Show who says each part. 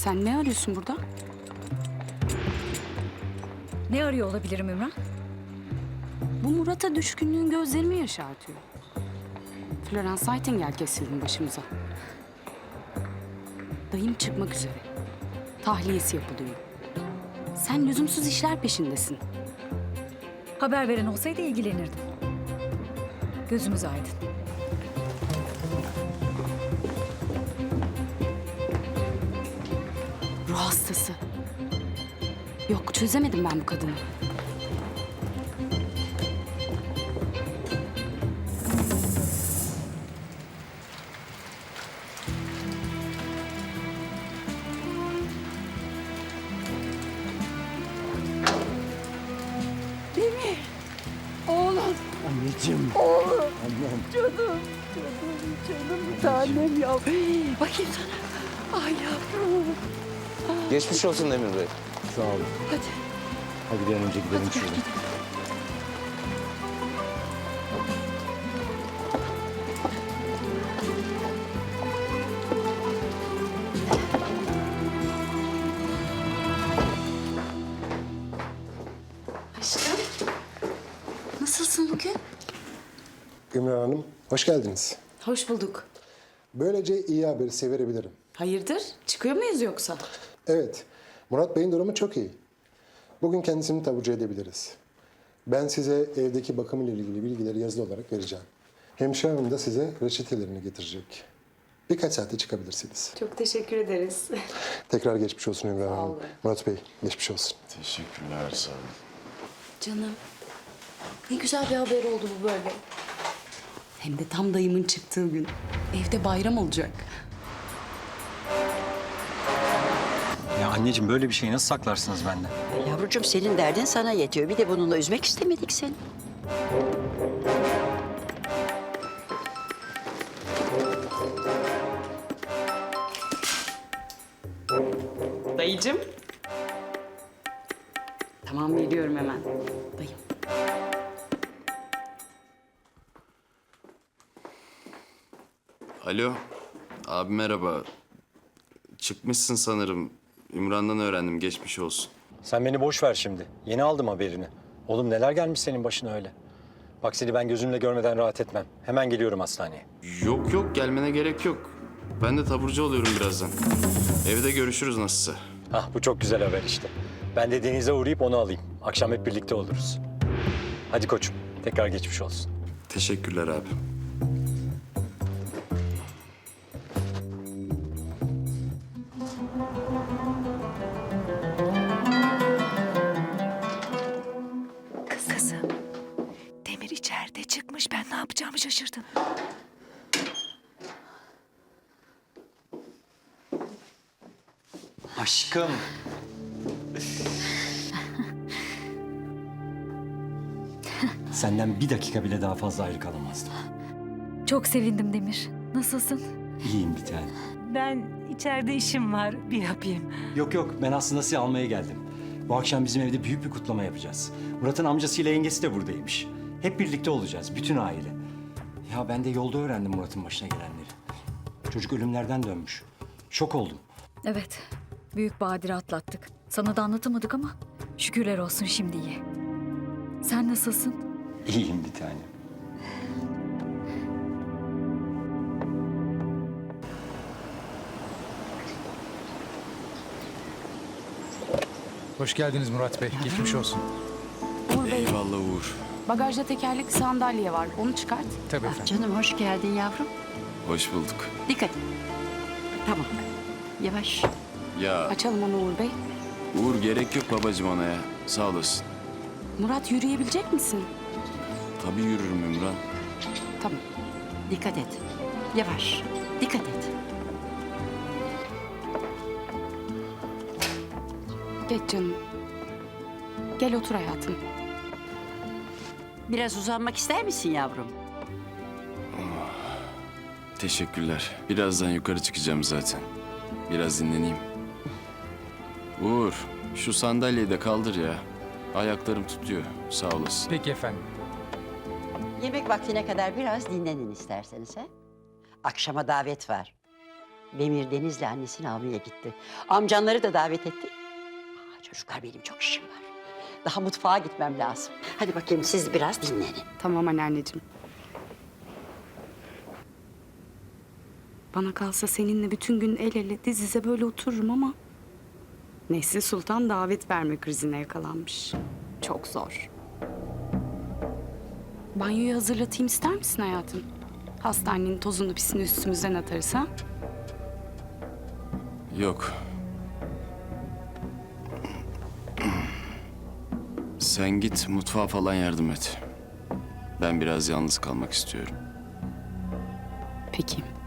Speaker 1: Sen ne arıyorsun burada?
Speaker 2: Ne arıyor olabilirim Ümran?
Speaker 1: Bu Murat'a düşkünlüğün gözlerimi yaşartıyor. Florence Nightingale kesildi başımıza. Dayım çıkmak üzere. Tahliyesi yapılıyor. Sen lüzumsuz işler peşindesin.
Speaker 2: Haber veren olsaydı ilgilenirdim. Gözümüz aydın.
Speaker 1: Ruh hastası. Yok, çözemedim ben bu kadını.
Speaker 3: Anneciğim.
Speaker 4: Oğlum,
Speaker 3: Annem.
Speaker 4: canım bir tanem ya. Bakayım sana. Ay yavrum.
Speaker 5: Geçmiş olsun Demir Bey.
Speaker 3: Sağ olun.
Speaker 4: Hadi.
Speaker 3: Hadi bir an önce gidelim şuradan.
Speaker 1: Aşkım, nasılsın bugün?
Speaker 6: Ümran Hanım, hoş geldiniz.
Speaker 1: Hoş bulduk.
Speaker 6: Böylece iyi haberi size verebilirim.
Speaker 1: Hayırdır? Çıkıyor muyuz yoksa?
Speaker 6: Evet, Murat Bey'in durumu çok iyi. Bugün kendisini taburcu edebiliriz. Ben size evdeki bakım ile ilgili bilgileri yazılı olarak vereceğim. Hemşire hanım da size reçetelerini getirecek. Birkaç saatte çıkabilirsiniz.
Speaker 1: Çok teşekkür ederiz.
Speaker 6: Tekrar geçmiş olsun Ümran Hanım.
Speaker 1: olun.
Speaker 6: Murat Bey, geçmiş olsun.
Speaker 5: Teşekkürler, sağ olun.
Speaker 1: Canım, ne güzel bir haber oldu bu böyle. Hem de tam dayımın çıktığı gün. Evde bayram olacak.
Speaker 7: Ya anneciğim böyle bir şeyi nasıl saklarsınız benden?
Speaker 4: Yavrucuğum senin derdin sana yetiyor. Bir de bununla üzmek istemedik seni.
Speaker 1: Dayıcım. Tamam, veriyorum hemen. Dayım.
Speaker 5: Alo, abi merhaba. Çıkmışsın sanırım. Ümran'dan öğrendim, geçmiş olsun.
Speaker 7: Sen beni boş ver şimdi. Yeni aldım haberini. Oğlum neler gelmiş senin başına öyle. Bak seni ben gözümle görmeden rahat etmem. Hemen geliyorum hastaneye.
Speaker 5: Yok yok, gelmene gerek yok. Ben de taburcu oluyorum birazdan. Evde görüşürüz nasılsa.
Speaker 7: Ah bu çok güzel haber işte. Ben de Deniz'e uğrayıp onu alayım. Akşam hep birlikte oluruz. Hadi koçum. Tekrar geçmiş olsun.
Speaker 5: Teşekkürler abi.
Speaker 4: Kızım. Demir içeride çıkmış. Ben ne yapacağımı şaşırdım.
Speaker 7: Aşkım. Senden bir dakika bile daha fazla ayrı kalamazdım.
Speaker 2: Çok sevindim Demir. Nasılsın?
Speaker 7: İyiyim bir tane.
Speaker 8: Ben içeride işim var, bir yapayım.
Speaker 7: Yok yok ben aslında sizi almaya geldim. Bu akşam bizim evde büyük bir kutlama yapacağız. Murat'ın amcasıyla yengesi de buradaymış. Hep birlikte olacağız, bütün aile. Ya ben de yolda öğrendim Murat'ın başına gelenleri. Çocuk ölümlerden dönmüş. Şok oldum.
Speaker 2: Evet, büyük badire atlattık. Sana da anlatamadık ama şükürler olsun şimdi iyi. Sen nasılsın?
Speaker 7: İyiyim bir tane.
Speaker 9: Hoş geldiniz Murat Bey. Geçmiş olsun.
Speaker 1: Uğur Bey,
Speaker 5: Eyvallah Uğur.
Speaker 1: bagajda tekerlekli sandalye var. Onu çıkart.
Speaker 9: Tabii efendim.
Speaker 4: Canım hoş geldin yavrum.
Speaker 5: Hoş bulduk.
Speaker 4: Dikkat et. Tamam. Yavaş.
Speaker 5: Ya
Speaker 1: Açalım onu Uğur Bey.
Speaker 5: Uğur gerek yok babacığım ona ya. Sağ olasın.
Speaker 1: Murat, yürüyebilecek misin?
Speaker 5: Tabii yürürüm Ümran.
Speaker 1: Tamam.
Speaker 4: Dikkat et. Yavaş. Dikkat et.
Speaker 1: Geç canım. Gel otur hayatım.
Speaker 4: Biraz uzanmak ister misin yavrum?
Speaker 5: Teşekkürler. Birazdan yukarı çıkacağım zaten. Biraz dinleneyim. Uğur, şu sandalyeyi de kaldır ya. Ayaklarım tutuyor. Sağ olasın.
Speaker 9: Peki efendim.
Speaker 4: Yemek vaktine kadar biraz dinlenin isterseniz ha. Akşama davet var. Demir Deniz'le annesini almaya gitti. Amcanları da davet etti. Çocuklar benim çok işim var. Daha mutfağa gitmem lazım. Hadi bakayım siz biraz dinlenin.
Speaker 1: Tamam anneanneciğim. Bana kalsa seninle bütün gün el ele diz dize böyle otururum ama... Nesli Sultan davet verme krizine yakalanmış. Çok zor. Banyoyu hazırlatayım ister misin hayatım? Hastanenin tozunu pisini üstümüzden atarız ha?
Speaker 5: Yok. Sen git mutfağa falan yardım et. Ben biraz yalnız kalmak istiyorum.
Speaker 1: Peki.